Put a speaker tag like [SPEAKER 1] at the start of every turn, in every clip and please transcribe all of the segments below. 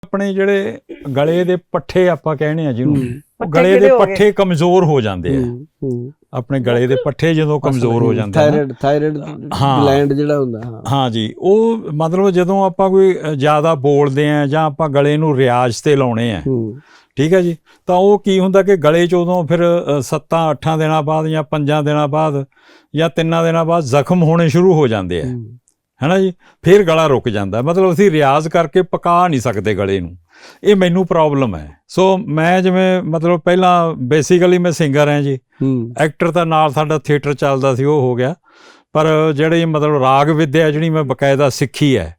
[SPEAKER 1] ਆਪਣੇ ਜਿਹੜੇ ਗਲੇ ਦੇ ਪੱਠੇ ਆਪਾਂ ਕਹਿੰਦੇ ਆ ਜਿਹਨੂੰ, ਉਹ ਗਲੇ ਦੇ ਪੱਠੇ ਕਮਜ਼ੋਰ ਹੋ ਜਾਂਦੇ ਆ। ਆਪਣੇ ਗਲੇ ਦੇ ਪੱਠੇ ਜਦੋਂ ਕਮਜ਼ੋਰ ਹੋ ਜਾਂਦੇ ਆ,
[SPEAKER 2] ਥਾਇਰਾਇਡ ਗਲੈਂਡ ਜਿਹੜਾ ਹੁੰਦਾ,
[SPEAKER 1] ਹਾਂ ਜੀ, ਉਹ ਮਤਲਬ ਜਦੋਂ ਆਪਾਂ ਕੋਈ ਜ਼ਿਆਦਾ ਬੋਲਦੇ ਆ ਜਾਂ ਆਪਾਂ ਗਲੇ ਨੂੰ ਰਿਆਜ਼ ਤੇ ਲਾਉਣੇ ਆ, ਠੀਕ ਹੈ ਜੀ, ਤਾਂ ਉਹ ਕੀ ਹੁੰਦਾ ਕਿ ਗਲੇ 'ਚ ਉਦੋਂ ਫਿਰ 7-8 ਦਿਨਾਂ ਬਾਅਦ ਜਾਂ 5 ਦਿਨਾਂ ਬਾਅਦ ਜਾਂ 3 ਦਿਨਾਂ ਬਾਅਦ ਜ਼ਖਮ ਹੋਣੇ ਸ਼ੁਰੂ ਹੋ ਜਾਂਦੇ ਆ, ਹੈ ਨਾ ਜੀ। ਫਿਰ ਗਲਾ ਰੁਕ ਜਾਂਦਾ, ਮਤਲਬ ਅਸੀਂ ਰਿਆਜ਼ ਕਰਕੇ ਪਕਾ ਨਹੀਂ ਸਕਦੇ ਗਲੇ ਨੂੰ। ਇਹ ਮੈਨੂੰ ਪ੍ਰੋਬਲਮ ਹੈ। ਸੋ ਮੈਂ ਜਿਵੇਂ ਮਤਲਬ ਪਹਿਲਾਂ ਬੇਸਿਕਲੀ ਮੈਂ ਸਿੰਗਰ ਹਾਂ ਜੀ, ਐਕਟਰ ਤਾਂ ਨਾਲ ਸਾਡਾ ਥੀਏਟਰ ਚੱਲਦਾ ਸੀ, ਉਹ ਹੋ ਗਿਆ। ਪਰ ਜਿਹੜੀ ਮਤਲਬ ਰਾਗ ਵਿੱਦਿਆ ਜਿਹੜੀ ਮੈਂ ਬਕਾਇਦਾ ਸਿੱਖੀ ਹੈ,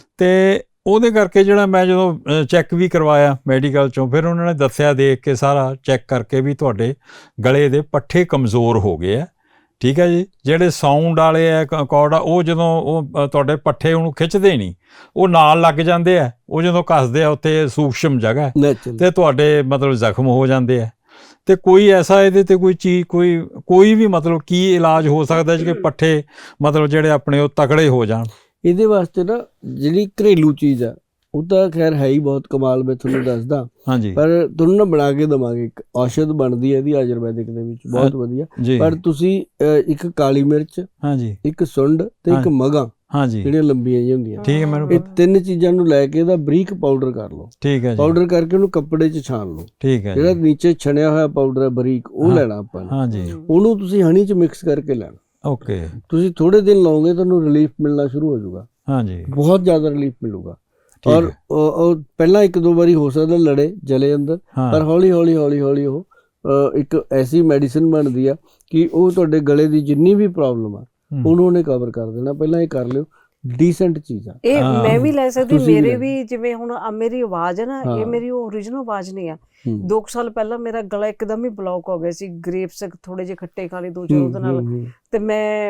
[SPEAKER 1] ਤੇ ਉਹਦੇ ਕਰਕੇ ਜਿਹੜਾ ਮੈਂ ਜਦੋਂ ਚੈੱਕ ਵੀ ਕਰਵਾਇਆ ਮੈਡੀਕਲ 'ਚੋਂ, ਫਿਰ ਉਹਨਾਂ ਨੇ ਦੱਸਿਆ ਦੇਖ ਕੇ ਸਾਰਾ ਚੈੱਕ ਕਰਕੇ ਵੀ ਤੁਹਾਡੇ ਗਲੇ ਦੇ ਪੱਠੇ ਕਮਜ਼ੋਰ ਹੋ ਗਏ ਆ, ਠੀਕ ਹੈ ਜੀ। ਜਿਹੜੇ ਸਾਊਂਡ ਵਾਲੇ ਆ ਅਕੋਰਡ ਆ, ਉਹ ਜਦੋਂ ਉਹ ਤੁਹਾਡੇ ਪੱਠੇ ਉਹਨੂੰ ਖਿੱਚਦੇ ਨਹੀਂ, ਉਹ ਨਾਲ ਲੱਗ ਜਾਂਦੇ ਆ, ਉਹ ਜਦੋਂ ਕੱਸਦੇ ਆ ਉੱਥੇ ਸੂਖਸ਼ਮ ਜਗ੍ਹਾ ਤੇ ਤੁਹਾਡੇ ਮਤਲਬ ਜ਼ਖਮ ਹੋ ਜਾਂਦੇ ਆ। ਤੇ ਕੋਈ ਐਸਾ ਇਹਦੇ ਤੇ ਕੋਈ ਚੀਜ਼ ਕੋਈ ਵੀ ਮਤਲਬ ਕੀ ਇਲਾਜ ਹੋ ਸਕਦਾ ਜੀ ਕਿ ਪੱਠੇ ਮਤਲਬ ਜਿਹੜੇ ਆਪਣੇ ਉਹ ਤਕੜੇ ਹੋ ਜਾਣ?
[SPEAKER 2] ਇਹਦੇ ਵਾਸਤੇ ਨਾ ਜਿਹੜੀ ਘਰੇਲੂ ਚੀਜ਼ ਆ ਉਹ ਤਾਂ ਖੈਰ ਹੈ ਹੀ ਬਹੁਤ ਕਮਾਲ, ਮੈਂ ਤੁਹਾਨੂੰ ਦੱਸਦਾ।
[SPEAKER 1] ਹਾਂਜੀ। ਪਰ
[SPEAKER 2] ਤੁਹਾਨੂੰ ਨਾ ਬਣਾ ਕੇ ਦੇਵਾਂਗੇ, ਇੱਕ ਔਸ਼ਧ ਬਣਦੀ ਹੈ ਇਹਦੀ ਆਯੁਰਵੈਦਿਕ ਦੇ ਵਿੱਚ, ਬਹੁਤ ਵਧੀਆ। ਪਰ ਤੁਸੀਂ ਇੱਕ ਕਾਲੀ ਮਿਰਚ, ਹਾਂਜੀ, ਇੱਕ ਸੁੰਡ ਤੇ ਇੱਕ ਮਗਾਂ, ਹਾਂਜੀ, ਜਿਹੜੀਆਂ ਲੰਬੀਆਂ ਜਿਹੀਆਂ ਹੁੰਦੀਆਂ, ਠੀਕ ਹੈ, ਮੈਨੂੰ ਇਹ 3 ਚੀਜ਼ਾਂ ਨੂੰ ਲੈ ਕੇ ਇਹਦਾ ਬਰੀਕ ਪਾਊਡਰ ਕਰ ਲਓ, ਠੀਕ ਹੈ, ਪਾਊਡਰ ਕਰਕੇ ਉਹਨੂੰ ਕੱਪੜੇ 'ਚ ਛਾਣ ਲਓ, ਠੀਕ ਹੈ। ਜਿਹੜਾ ਨੀਚੇ ਛਣਿਆ ਹੋਇਆ ਪਾਊਡਰ ਹੈ ਬਰੀਕ, ਉਹ ਲੈਣਾ ਆਪਾਂ ਨੇ, ਹਾਂਜੀ, ਉਹਨੂੰ ਤੁਸੀਂ ਹਨੀ 'ਚ ਮਿਕਸ ਕਰਕੇ ਲੈਣਾ। ਓਕੇ। ਤੁਸੀਂ ਥੋੜੇ ਦਿਨ ਲਾਓਗੇ ਤੁਹਾਨੂੰ ਰਿਲੀਫ ਮਿਲਣਾ ਸ਼ੁਰੂ ਹੋ ਜਾਊਗਾ, ਹਾਂਜੀ, ਬਹੁਤ ਜ਼ਿਆਦਾ ਰਿਲੀਫ ਮਿਲੂਗਾ। ਔਰ ਪਹਿਲਾਂ 1-2 ਵਾਰੀ ਹੋ ਸਕਦਾ ਲੜੇ ਜਲੇ ਅੰਦਰ, ਪਰ ਹੌਲੀ ਹੌਲੀ ਹੌਲੀ ਹੌਲੀ ਉਹ ਇੱਕ ਐਸੀ ਮੈਡੀਸਿਨ ਬਣਦੀ ਆ ਕਿ ਉਹ ਤੁਹਾਡੇ ਗਲੇ ਦੀ ਜਿੰਨੀ ਵੀ ਪ੍ਰੋਬਲਮ ਆ ਉਹਨੂੰ ਉਹਨੇ ਕਵਰ ਕਰ ਦੇਣਾ। ਪਹਿਲਾਂ ਇਹ ਕਰ ਲਿਓ, ਡੀਸੈਂਟ ਚੀਜ਼ ਆ ਇਹ। ਮੈਂ ਵੀ ਲੈ ਸਕਦੀ, ਮੇਰੇ ਵੀ ਜਿਵੇਂ ਹੁਣ ਮੇਰੀ ਆਵਾਜ਼ ਹੈ ਨਾ, ਇਹ ਮੇਰੀ ਓਰੀਜਨਲ ਆਵਾਜ਼ ਨਹੀਂ ਆ। 2 ਸਾਲ ਪਹਿਲਾਂ ਮੇਰਾ ਗਲਾ ਇੱਕਦਮ ਹੀ ਬਲੌਕ ਹੋ ਗਿਆ ਸੀ, ਗ੍ਰੇਪਸ ਥੋੜੇ ਜਿਹੇ ਖੱਟੇ ਖਾ ਲਏ 2-4 ਉਹਦੇ ਨਾਲ, ਤੇ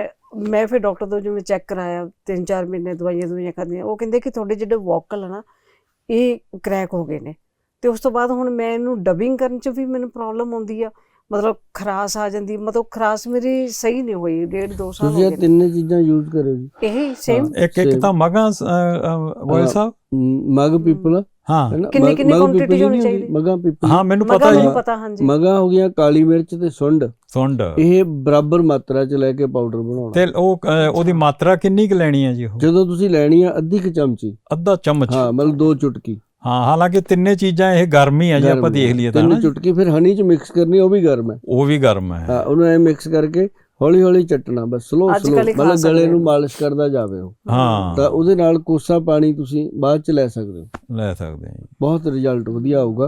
[SPEAKER 2] ਮੈਂ ਫਿਰ ਡਾਕਟਰ ਤੋਂ ਜਿਵੇਂ ਚੈੱਕ ਕਰਾਇਆ, 3-4 ਮਹੀਨੇ ਦਵਾਈਆਂ ਖਾਧੀਆਂ, ਉਹ ਕਹਿੰਦੇ ਕਿ ਤੁਹਾਡੇ ਜਿਹੜੇ ਵੋਕਲ ਆ ਨਾ ਇਹ ਕਰੈਕ ਹੋ ਗਏ ਨੇ। ਤੇ ਉਸ ਤੋਂ ਬਾਅਦ ਹੁਣ ਮੈਂ ਇਹਨੂੰ ਡਬਿੰਗ ਕਰਨ 'ਚ ਵੀ ਮੈਨੂੰ ਪ੍ਰੋਬਲਮ ਆਉਂਦੀ ਆ, ਮਤਲਬ ਖਰਾਸ ਆ ਜਾਂਦੀ, ਮਤਲਬ ਖਰਾਸ ਮੇਰੀ ਸਹੀ ਨਹੀਂ ਹੋਈ 1.5-2 ਸਾਲ ਹੋ ਗਏ। ਤੁਸੀਂ 3 ਚੀਜ਼ਾਂ ਯੂਜ਼ ਕਰੋ ਜੀ, ਇਹ ਸੇਮ। ਇੱਕ ਤਾਂ ਮਗਾਂ ਗੋਇਲ ਸਾਹਿਬ, ਮਗ ਪੀਪਲ, ਹਾਂ, ਕਿੰਨੀ ਕੁਆਂਟੀਟੀ ਹੋਣੀ ਚਾਹੀਦੀ? ਮਗਾਂ ਪੀਪਲ, ਹਾਂ, ਮੈਨੂੰ ਪਤਾ ਜੀ, ਹਾਂਜੀ। ਮਗਾਂ ਹੋ ਗਈਆਂ, ਕਾਲੀ ਮਿਰਚ ਤੇ ਸੁੰਡ, ਇਹ ਬਰਾਬਰ ਮਾਤਰਾ 'ਚ ਲੈ ਕੇ ਪਾਊਡਰ ਬਣਾਉਣਾ। ਤੇ ਉਹਦੀ ਮਾਤਰਾ ਕਿੰਨੀ ਕੁ ਲੈਣੀ ਹੈ ਜੀ? ਜਦੋਂ ਤੁਸੀਂ ਲੈਣੀ ਆ ਅੱਧੀ ਕੁ ਚਮਚੀ, ਅੱਧਾ ਚਮਚ, ਹਾਂ, ਮਤਲਬ 2 ਚੁਟਕੀ। ਹਾਂ, ਹਾਲਾਂਕਿ 3 ਚੀਜ਼ਾਂ ਇਹ ਗਰਮ ਹੀ ਆ ਜੀ, ਆਪਾਂ ਦੇਖ ਲਈਏ ਤਾਂ 3 ਚੁਟਕੀ। ਫਿਰ ਹਨੀ 'ਚ ਮਿਕਸ ਕਰਨੀ, ਉਹ ਵੀ ਗਰਮ ਹੈ, ਉਹ ਵੀ ਗਰਮ ਹੈ, ਹਾਂ, ਉਹਨੂੰ ਐ ਮਿਕਸ ਕਰਕੇ ਹੌਲੀ ਹੌਲੀ ਚੱਟਣਾ, ਬਸ ਸਲੋ ਮਤਲਬ ਗਲੇ ਨੂੰ ਮਾਲਿਸ਼ ਕਰਦਾ ਜਾਵੇ ਉਹ, ਹਾਂ, ਤਾਂ ਉਹਦੇ ਨਾਲ ਕੋਸਾ ਪਾਣੀ ਤੁਸੀਂ ਬਾਅਦ 'ਚ ਲੈ ਸਕਦੇ ਹੋ, ਬਹੁਤ ਰਿਜ਼ਲਟ ਵਧੀਆ ਆਊਗਾ।